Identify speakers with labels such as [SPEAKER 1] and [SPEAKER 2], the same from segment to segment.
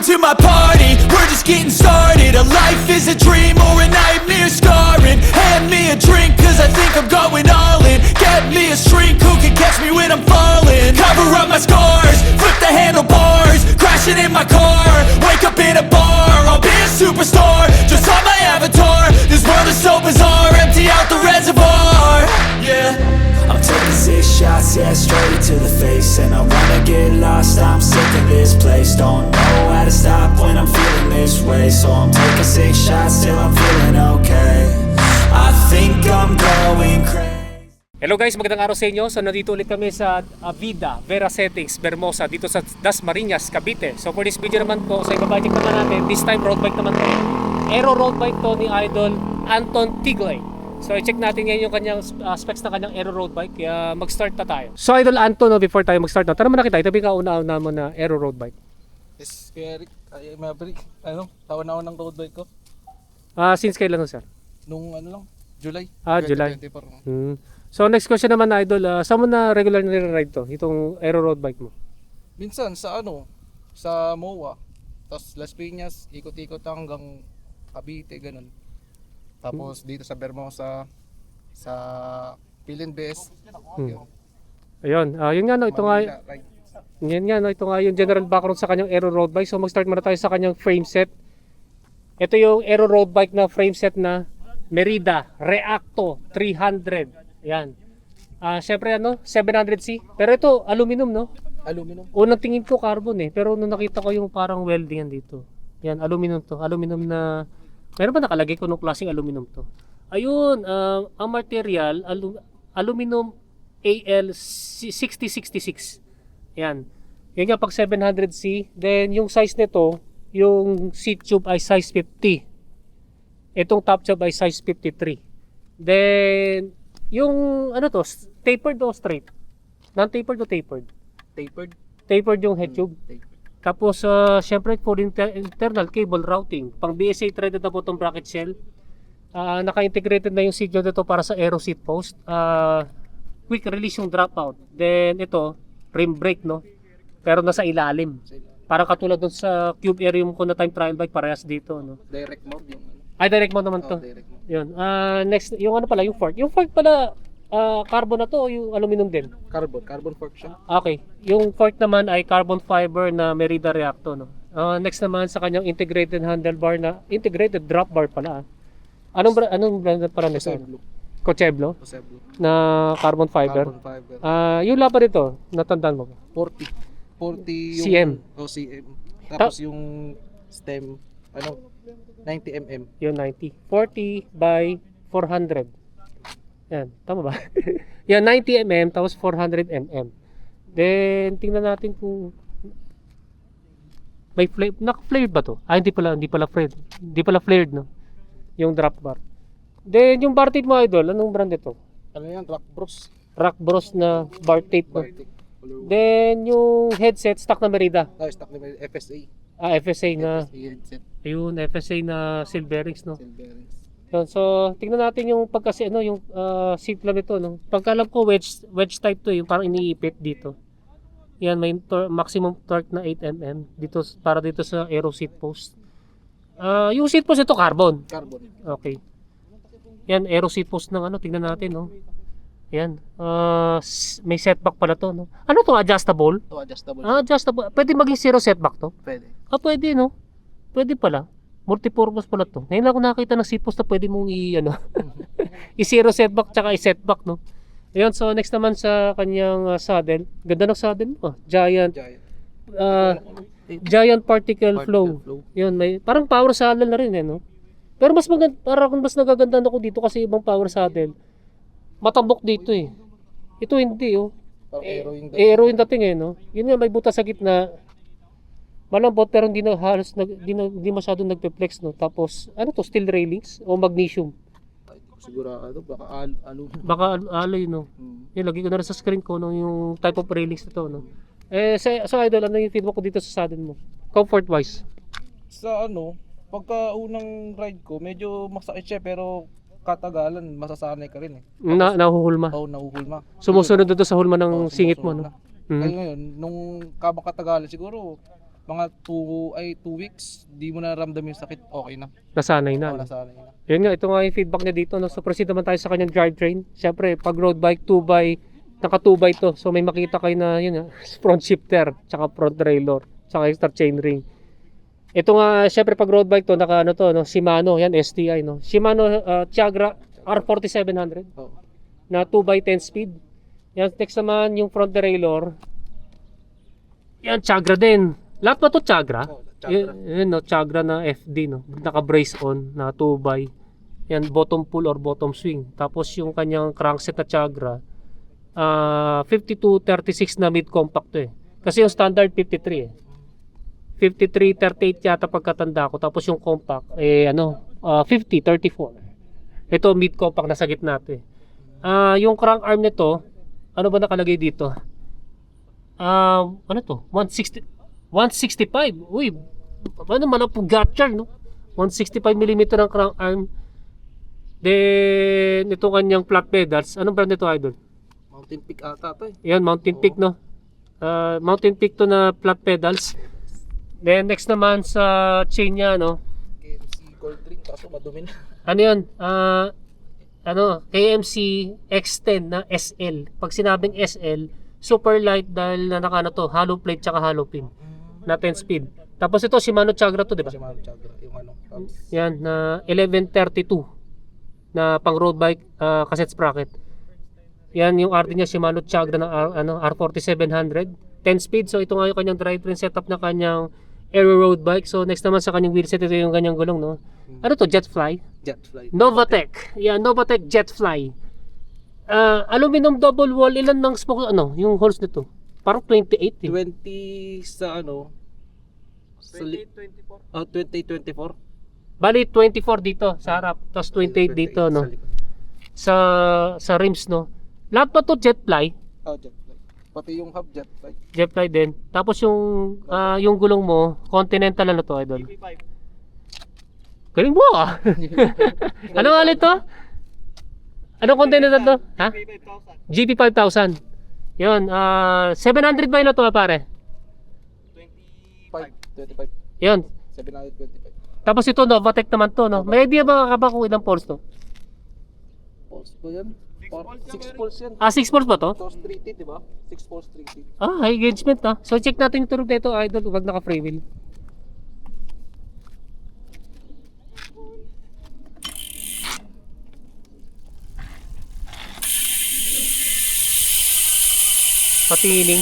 [SPEAKER 1] to my party, we're just getting started. A life is a dream or a nightmare scarring. Hand me a drink cause I think I'm going all in. Get me a shrink who can catch me when I'm falling. Cover up my scars, flip the handlebars. Crashing in my car, wake up in a bar. I'll be a superstar, just on my avatar. This world is so bizarre, empty out the reservoir. Yeah, I'm taking 6 shots, yeah, straight to the face. And I wanna get lost, I'm sick of this place. Don't know how to stop when I'm feeling this way. So I'm taking 6 shots till I'm feeling okay. I think I'm going crazy.
[SPEAKER 2] Hello guys, magandang araw sa inyo. So nandito ulit kami sa Vida, Vera Settings, Bermosa, dito sa Dasmariñas, Cavite. So for this video naman po, sa ibabajik naman natin, this time road bike naman to. Aero road bike to ni Idol Anton Tiglay. So i-check natin ngayon yung kanyang specs ng kanyang aero road bike. Kaya mag-start na tayo. So Idol Anton, no, before tayo mag-start na, tara muna kita, itabi ka una-una mo na aero road bike.
[SPEAKER 3] Yes, kaya Eric, ay Maverick, taon-taon ng road bike ko.
[SPEAKER 2] Since kailan no, sir?
[SPEAKER 3] Nung lang, July.
[SPEAKER 2] July.
[SPEAKER 3] 2024.
[SPEAKER 2] So next question naman na Idol, saan mo na regular nire-ride to? Itong aero road bike mo?
[SPEAKER 3] Minsan sa sa MOA. Tapos Las Piñas, ikot-ikot hanggang Cavite, ganun. Tapos dito sa Bermosa, sa Pilinbes.
[SPEAKER 2] Ayun, yun nga no, ito nga,
[SPEAKER 3] Manila, right.
[SPEAKER 2] yan nga no, ito nga yung general background sa kanyang aero road bike. So mag-start muna tayo sa kanyang frame set. Ito yung aero road bike na frame set na Merida Reacto 300. Yan. Syempre 700C. Pero ito aluminum no.
[SPEAKER 3] Aluminum.
[SPEAKER 2] Unang tingin ko carbon pero nung nakita ko yung parang welding yan dito. Yan, aluminum to. Aluminum na meron ba nakalagay kung anong klaseng aluminum to? Ayun, ang material aluminum AL6066. Yan. Yan nga pag 700C. Then yung size nito, yung seat tube ay size 50. Itong top tube ay size 53. Then yung tapered o straight? Non-tapered o tapered?
[SPEAKER 3] Tapered.
[SPEAKER 2] Tapered yung head tube.
[SPEAKER 3] Tapered.
[SPEAKER 2] Tapos syempre for internal cable routing, pang BSA threaded na po itong bracket shell. Naka-integrated na yung signal nito para sa aero seat post. Quick release yung dropout. Then ito, rim brake no. Pero nasa ilalim. Parang katulad dun sa Cube Aerium ko na time trial bike, parehas dito no.
[SPEAKER 3] Direct mode yung
[SPEAKER 2] Ay, direct mode naman to.
[SPEAKER 3] direct mode.
[SPEAKER 2] Yun. Next, yung pala, yung fork. Yung fork pala, carbon na to o yung aluminum din?
[SPEAKER 3] Carbon fork siya.
[SPEAKER 2] Okay. Yung fork naman ay carbon fiber na Merida Reacto, no? Next naman sa kanyang integrated handlebar na, integrated drop bar pala. Anong brand pala nito? Cocheblo?
[SPEAKER 3] Cocheblo.
[SPEAKER 2] Na carbon fiber.
[SPEAKER 3] Carbon fiber.
[SPEAKER 2] Yung lapa nito, natandaan mo ba?
[SPEAKER 3] 40 yung
[SPEAKER 2] CM.
[SPEAKER 3] CM. Tapos yung stem, 90 mm.
[SPEAKER 2] Yung 90. 40 by 400. Yan, tama ba? Yan, 90 mm tapos 400 mm. Then, tingnan natin kung may flare. Naka-flared ba to? Hindi pala flared. Hindi pala flared, no? Yung drop bar. Then, yung bar tape mo, Idol, anong brand ito?
[SPEAKER 3] Ano yan? Rock Bros.
[SPEAKER 2] Rock Bros na bar tape, no?
[SPEAKER 3] Bartik.
[SPEAKER 2] Then, yung headset, stock na Merida.
[SPEAKER 3] Stock na FSA.
[SPEAKER 2] FSA na,
[SPEAKER 3] FSA headset.
[SPEAKER 2] ayun, FSA na seal bearings, no?
[SPEAKER 3] Seal bearings.
[SPEAKER 2] Yun, so, tingnan natin yung pagkasi, yung seat lang nito, no? Pagkalam ko, wedge type to, yung parang iniipit dito. Yan, may maximum torque na 8 mm dito, para dito sa aero seat post. Yung seat post ito, carbon.
[SPEAKER 3] Carbon.
[SPEAKER 2] Okay. Yan, aero seat post ng tingnan natin, no? Yan, may setback pala to, no? Ano to, adjustable?
[SPEAKER 3] Ito adjustable.
[SPEAKER 2] Adjustable. Pwede maging zero setback to?
[SPEAKER 3] Pwede.
[SPEAKER 2] Pwede, no? Pwede pala. Multipurpose pala to. Ngayon lang ako nakakita ng seat post na pwede mong i-zero setback tsaka i-setback, no? Ayun, so next naman sa kanyang saddle. Ganda ng saddle mo. Giant particle flow. Yun, may parang power saddle na rin, no? Pero mas maganda, parang mas nagaganda ako dito kasi ibang power saddle. Matambok dito eh. Ito hindi aero yung dating no. Yun nga, may butas sa gitna. Malambot pero hindi na halos hindi masyadong nagpe-flex, no. Tapos steel railings o magnesium.
[SPEAKER 3] Sigurado
[SPEAKER 2] Baka alloy, no. Yan, lagi ko na rin sa screen ko yung type of railings na to, no. Sa Idol, ano yung feedback ko dito sa saddle mo? Comfort wise.
[SPEAKER 3] Sa pagka unang ride ko, medyo masakit siya pero katagalan, masasanay ka rin eh.
[SPEAKER 2] Nahuhulma.
[SPEAKER 3] Oo, nahuhulma.
[SPEAKER 2] Sumusunod doon sa hulma ng singit mo, no.
[SPEAKER 3] Kaya ngayon, nung kabang katagalan siguro, mga 2 weeks, di mo na ramdam yung sakit, okay na.
[SPEAKER 2] Nasanay na.
[SPEAKER 3] Oo,
[SPEAKER 2] No?
[SPEAKER 3] nasanay na.
[SPEAKER 2] Yun nga, ito nga yung feedback niya dito. No? So proceed naman tayo sa kanyang drivetrain. Siyempre, pag road bike, 2x, naka 2x to. So may makita kayo na yun nga, front shifter, tsaka front derailleur, tsaka extra chainring. Ito nga, siyempre pag road bike to, naka ano to, no? Shimano, yan STI. No? Shimano Tiagra R4700
[SPEAKER 3] Oo.
[SPEAKER 2] na 2x10 speed. Yan, next naman yung front derailleur. Yan, Tiagra din. Lahat ba to Tiagra?
[SPEAKER 3] Oo, Tiagra.
[SPEAKER 2] Yun, no, Tiagra na FD, no? Naka-brace on na 2x. Yan, bottom pull or bottom swing. Tapos yung kanyang crankset na Tiagra, 52-36 na mid-compact to eh. Kasi yung standard 53 eh. 53-38 yata pagkatanda ko. Tapos yung compact, 50-34. Ito mid-compact nasa gitna to eh. Yung crank arm nito, ano ba nakalagay dito? Ano to? 165. Uy, ano man ang gatcher, no? 165mm ang crank arm. Then, ito kanyang flat pedals. Anong brand nito, Idol?
[SPEAKER 3] Mountain Peak ata to eh.
[SPEAKER 2] Yan, Mountain Peak, no? Mountain Peak to na flat pedals. Then, next naman sa chain niya, no?
[SPEAKER 3] KMC Gold Ring, kaso madumi na.
[SPEAKER 2] Ano yun? KMC X10 na SL. Pag sinabing SL, super light dahil na naka to, hollow plate tsaka hollow pin na 10 speed. Tapos ito Shimano Tiagra to, di ba?
[SPEAKER 3] Shimano Tiagra, yung ano.
[SPEAKER 2] Yan na 1132 na pang road bike cassette sprocket. Yan yung RD niya Shimano Tiagra na R4700 10 speed. So ito nga yung kanyang drivetrain setup na kanyang aero road bike. So next naman sa kanyang wheelset, ito yung kanyang gulong, no? Ano to? Jetfly?
[SPEAKER 3] Jetfly.
[SPEAKER 2] Novatec. Yeah, Novatec Jetfly. Aluminum double wall. Ilan ng smoke, yung holes nito? Parang 28 eh.
[SPEAKER 3] 20 sa ano? 2024.
[SPEAKER 2] Bali 24 dito sa harap, tapos 28 dito, no? Sa rims, no? Lahat pa to Jetfly.
[SPEAKER 3] Oh, Jetfly. Pati yung hub Jetfly.
[SPEAKER 2] Jetfly din. Tapos yung gulong mo, Continental ano to, Idol? Galing mo ah. Ano nga ulit to? Anong Continental to? Ha? GP5000. Yun, 700 ba yun na to, pare?
[SPEAKER 3] 25.
[SPEAKER 2] Yun.
[SPEAKER 3] 725.
[SPEAKER 2] Tapos ito, Novatec naman to, no? May idea ba ka ba kung ilang poles to?
[SPEAKER 3] Pulse ba yan? 6 pulse yan.
[SPEAKER 2] 6 poles ba to?
[SPEAKER 3] Tos 3T, di ba? 6 pulse 3T.
[SPEAKER 2] High engagement ah. So check natin yung tunog nito, Idol, wag naka free wheel. Patining.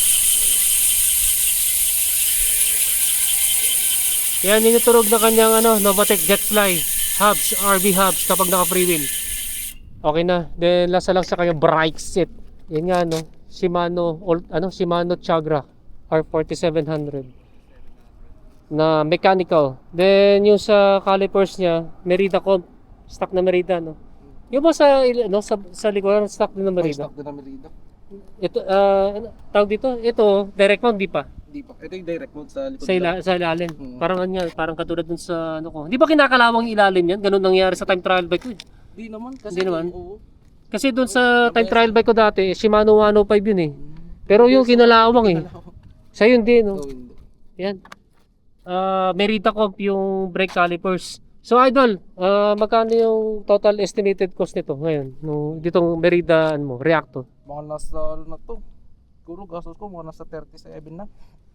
[SPEAKER 2] Yan yung tunog na kanyang Novatec Jetfly hubs, RB hubs kapag naka free wheel. Okay na. Then lasa lang sa kanyang brake set. Yan nga Shimano Tiagra R4700 na mechanical. Then yung sa calipers niya, Merida comp, stock na Merida, no. Yung ba sa likuran stock din na Merida?
[SPEAKER 3] Stock din na Merida.
[SPEAKER 2] Ito tawag dito, ito direct mount di pa.
[SPEAKER 3] Hindi pa. Ito yung direct mode sa likod.
[SPEAKER 2] Sa ilalim.
[SPEAKER 3] Mm.
[SPEAKER 2] Parang katulad dun sa ko. Hindi ba kinakalawang yung ilalim yan? Ganun nangyari sa time trial bike ko.
[SPEAKER 3] Hindi naman. Kasi
[SPEAKER 2] Hindi naman?
[SPEAKER 3] Oo.
[SPEAKER 2] Kasi dun sa time trial bike ko dati, Shimano 105 yun eh. Pero yung kinalawang eh. Sa yun din, no?
[SPEAKER 3] Oo, hindi.
[SPEAKER 2] Yan. Merida comp yung brake calipers. So Idol, magkano yung total estimated cost nito ngayon? Ditong Merida Reacto.
[SPEAKER 3] Mga nasa na to. Siguro gastos ko mga nasa 37 na.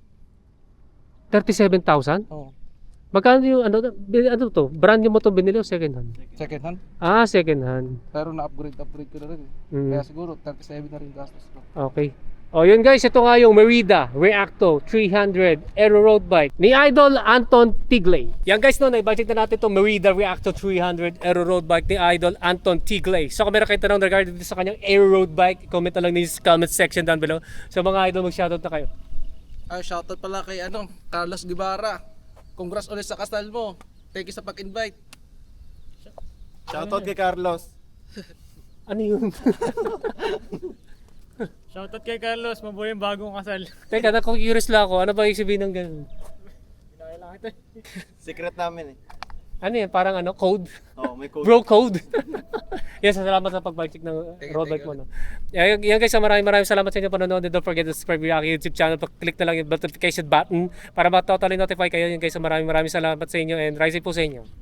[SPEAKER 2] 37,000?
[SPEAKER 3] Oo.
[SPEAKER 2] Magkano yung to? Brand new mo to binili o second hand?
[SPEAKER 3] Second hand.
[SPEAKER 2] Second hand.
[SPEAKER 3] Pero na-upgrade ko na rin.
[SPEAKER 2] Mm.
[SPEAKER 3] Kaya siguro 37 na rin gastos ko.
[SPEAKER 2] Okay. O yun guys, ito nga yung Merida Reacto 300 Aero Road Bike ni Idol Anton Tigley. Yan guys, na-budget na natin itong Merida Reacto 300 Aero Road Bike ni Idol Anton Tigley. So kung meron kayo tanong regarding sa kanyang Aero Road Bike, comment na lang sa comment section down below. So mga idol, mag-shoutout na kayo.
[SPEAKER 3] Shoutout pala kay Carlos Guevara. Congrats ulit sa kasal mo. Thank you sa pag-invite.
[SPEAKER 4] Shoutout kay Carlos.
[SPEAKER 2] Ano yun?
[SPEAKER 5] Shoutout kay Carlos, mabuhay yung bagong kasal.
[SPEAKER 2] Teka, curious lang ako. Ano ba yung sabihin ng ganun?
[SPEAKER 5] Kailangan ito.
[SPEAKER 4] Secret namin eh.
[SPEAKER 2] Ano yan, parang ano, code?
[SPEAKER 4] Oh, may code.
[SPEAKER 2] Bro code. Yes, salamat sa pag-check ng road bike mo. No? Yan guys, maraming salamat sa inyo panonood. And don't forget to subscribe yung aking YouTube channel. Click na lang yung notification button para ma-totally notify kayo. Yan guys, maraming salamat sa inyo and rising po sa inyo.